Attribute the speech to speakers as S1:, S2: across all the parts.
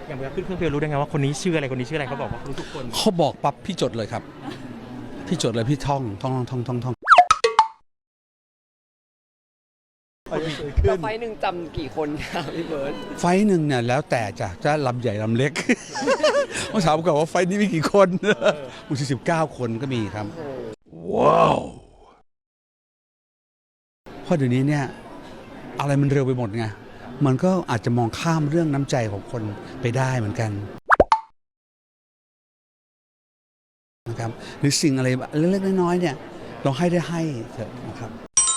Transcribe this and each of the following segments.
S1: อย่างเวลาขึ้นเครื่องบินรู้ได้ไงว่าคนนี้ชื่ออะไรคนนี้ชื่ออะไรเขาบอกว่ารู้ทุกคน
S2: เขาบอกปั๊บพี่จดเลยครับพี่จดเลยพี่ท่อง
S3: แล้วไฟล์หนึ่งจำกี่คนครับพี่เบิร์ด
S2: ไฟล์หนึ่งเนี่ยแล้วแต่จะลำใหญ่ลำเล็ก เมื่อถามก่อนว่าไฟล์นี้มีกี่คนบางที19 คนก็มีครับว้าวเพราะเดี๋ยวนี้เนี่ยอะไรมันเร็วไปหมดไงมันก็อาจจะมองข้ามเรื่องน้ำใจของคนไปได้เหมือนกันนะครับหรือสิ่งอะไรเล็กๆน้อยๆเนี่ยเราให้ได้ให้เถอะนะครับ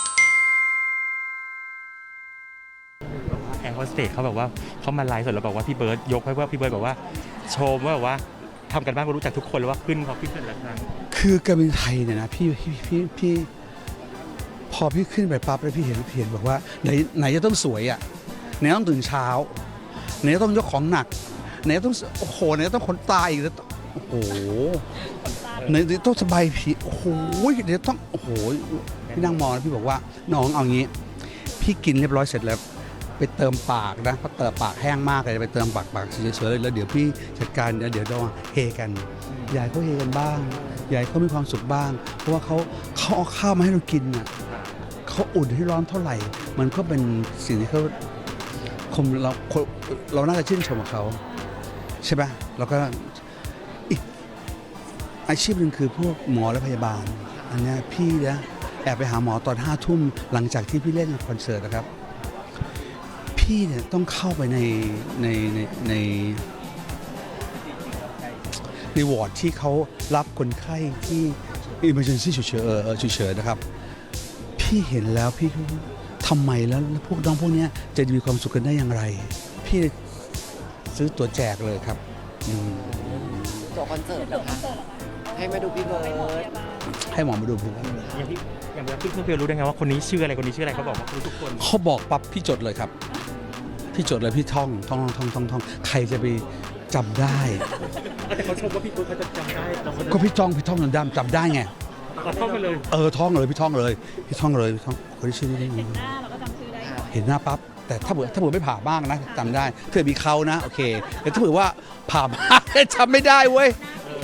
S1: แอร์โฮสเตสเขาแบบว่าเขามาไลฟ์สดแล้วบอกว่าพี่เบิร์ดยกให้ว่าพี่เบิร์ดบอกว่าโชว์ว่าแบบว่าทำกันบ้านรู้จักทุกคนแล้วว่าขึ้นพอขึ้นแต่ละครั้ง
S2: คือการบินไทยเนี่ยนะพี่พอพี่ขึ้นไปปั๊บแล้วพี่เห็นบอกว่าไหนจะต้องสวยอ่ะไหนต้องตื่นเช้าไหนจะต้องยกของหนักไหนต้องโอ้โหไหนต้องขนตาอีกแล้วโอ้โหไหนต้องสบายผีโอ้โหเดี๋ยวต้องโอ้โหพี่นั่งมองแล้วพี่บอกว่าน้องเอางี้พี่กินเรียบร้อยเสร็จแล้วไปเติมปากนะเพราะเติมปากแห้งมากเลยไปเติมปากเฉยๆเลยแล้วเดี๋ยวพี่จัดการเดี๋ยวเราเฮกันยายเขาเฮกันบ้างยายเขามีความสุขบ้างเพราะว่าเขาเอาข้าวมาให้เรากินน่ะเขาอุ่นให้ร้อนเท่าไหร่มันก็เป็นสิ่งที่เขาเราน่าจะชื่นชมกับเขาใช่ไหมแล้วก็อีกอาชีพหนึ่งคือพวกหมอและพยาบาลอันนี้พี่นะแอบไปหาหมอตอน5 ทุ่มหลังจากที่พี่เล่นคอนเสิร์ตนะครับพี่เนี่ยต้องเข้าไปในวอร์ดที่เขารับคนไข้ที่ emergency ฉุกเฉินนะครับพี่เห็นแล้วพี่ทำไมแล้วพวกน้องพวกนี้จะมีความสุขกันได้อย่างไรพี่ซื้อตัวแจกเลยครับ
S3: ตัวคอนเสิร์ตเหรอคะให้มาดูพี่เบิร์ด
S2: ให้หมอมาดูผม
S1: อย่างเวลาขึ้นเครื่องบินรู้ได้ไงว่าคนนี้ชื่ออะไรคนนี้ชื่ออะไรเขาบอกว่ารู้ทุกคน
S2: เขาบอกปั๊บพี่จดเลยครับพี่จดเลยพี่ท่องใครจะไปจำได้
S1: แต่เขาชมว่าพี่เบิร์ดเขาจะจำได้
S2: ก็พี่ท่องจำได้ไง
S1: ท่องไปเลย
S2: ท่องเลยพี่ท่องคนที่ชื่อนี้ได้ไงเห็นหน้าเราก็จำชื่อได้เห็นหน้าปั๊บแต่ถ้าเผื่อไม่ผ่ามากนะจำได้เผื่อมีเขานะโอเคแต่ถ้าเผื่อว่าผ่ามากจำไม่ได้เว้ย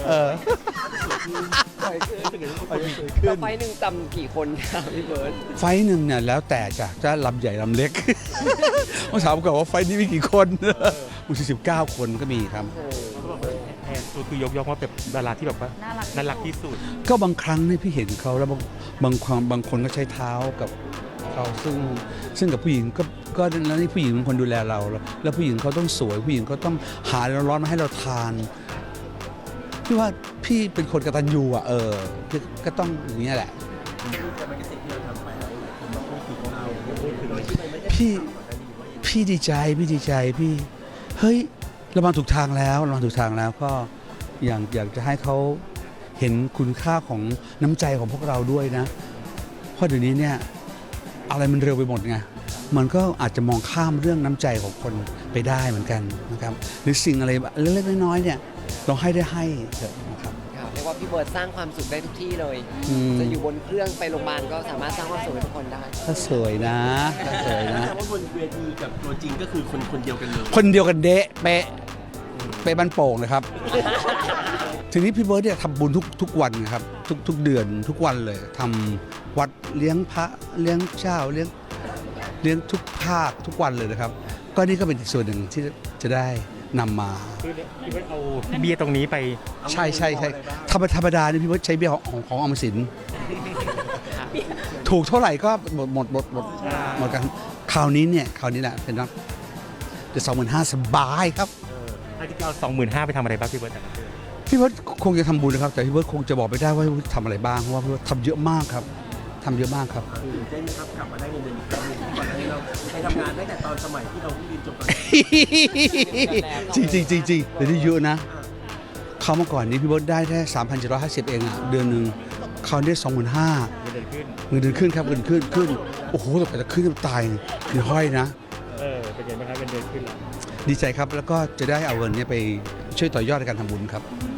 S3: แล้วไฟล์หนึ่งจำกี่คนครับพี่เบิร์ด
S2: ไฟล์หนึ่งเนี่ยแล้วแต่จะลำใหญ่ลำเล็กเมื่อถามก่อนว่าไฟล์นี้มีกี่คนบางที19 คนก็มีครับ
S1: คือยกย่องว่าเป็นดาราที่แบบว่าน่ารักที่สุด
S2: ก็บางครั้งเนี่ยพี่เห็นเขาแล้วบางคนก็ใช้เท้ากับเขาซึ่งกับผู้หญิงก็แล้วนี่ผู้หญิงเป็นคนดูแลเราแล้วผู้หญิงเขาต้องสวยผู้หญิงเขาต้องหาร้อนมาให้เราทานพี่ว่าพี่เป็นคนกตัญญูอ่ะก็ต้องอย่างนี้แหละพี่ดีใจพี่เฮ้ยเรามาถูกทางแล้วก็อยากจะให้เขาเห็นคุณค่าของน้ำใจของพวกเราด้วยนะเพราะเดี๋ยวนี้เนี่ยอะไรมันเร็วไปหมดไงมันก็อาจจะมองข้ามเรื่องน้ำใจของคนไปได้เหมือนกันนะครับหรือสิ่งอะไรเล็กๆน้อยๆเนี่ยเราให้ได้ให้เถอะนะครับ
S3: เรียกว่าพี่เบิร์ดสร้างความสุขได้ทุกที่เลยจะอยู่บนเครื่องไปโรงพยาบาลก็สามารถสร้างความสุขให้ทุกคนได้
S2: ถ้าสวยนะ
S4: แต่ว่าบนเวทีกับตัวจริงก็คือคนเดียวกันเลย
S2: คนเดียวกันเดะเป๊ะบ้านโป่งเลยครับทีนี้พี่เบิร์ดเนี่ยทำบุญทุกวันครับทุกเดือนทุกวันเลยทำวัดเลี้ยงพระเลี้ยงเจ้าเลี้ยงทุกภาคทุกวันเลยนะครับก็นี่ก็เป็นอีกส่วนหนึ่งที่จะได้นำมา
S1: พี่เบิร์ดเอาเบียร์ตรงนี้ไป
S2: ใช่ธรรมดาเนี่ยพี่เบิร์ดใช้เบียร์ของออมสินถูกเท่าไหร่ก็หมดกันคราวนี้แหละเป็นนักจะ25,000สบายครับ
S1: ถ้าที่เอา25,000ไปทำอะไรบ้างพี่เบิร์ด
S2: พี่เบิร์ดคงจะทำบุญนะครับแต่พี่เบิร์ดคงจะบอกไม่ได้ว่าทำอะไรบ้างเพราะว่าพี่เบิร์ดทำเยอะมากครับ
S4: เต้นครับกลับมาได้เงินเดือนอีกครั้งนึงก่อนที่เราไปทำงานตั้งแต่ตอนสมัยที่เราเพิ่งเรียนจบ
S2: จริงเดี๋ยวนี้เยอะนะเขาเมื่อก่อนนี้พี่เบิร์ดได้แค่ 3,750 เองอ่ะเดือนนึงเขาได้ 25,000เงินเดือนขึ้นครับเงินขึ้นโอ้โหแต่จะขึ้นตายคือห้อยนะ
S1: เป็นไงบ้างครับเงินเดือนขึ้น
S2: ดีใจครับแล้วก็จะได้เอาเงินนี้ไปช่วยต่อยอดในการทำบุญครับ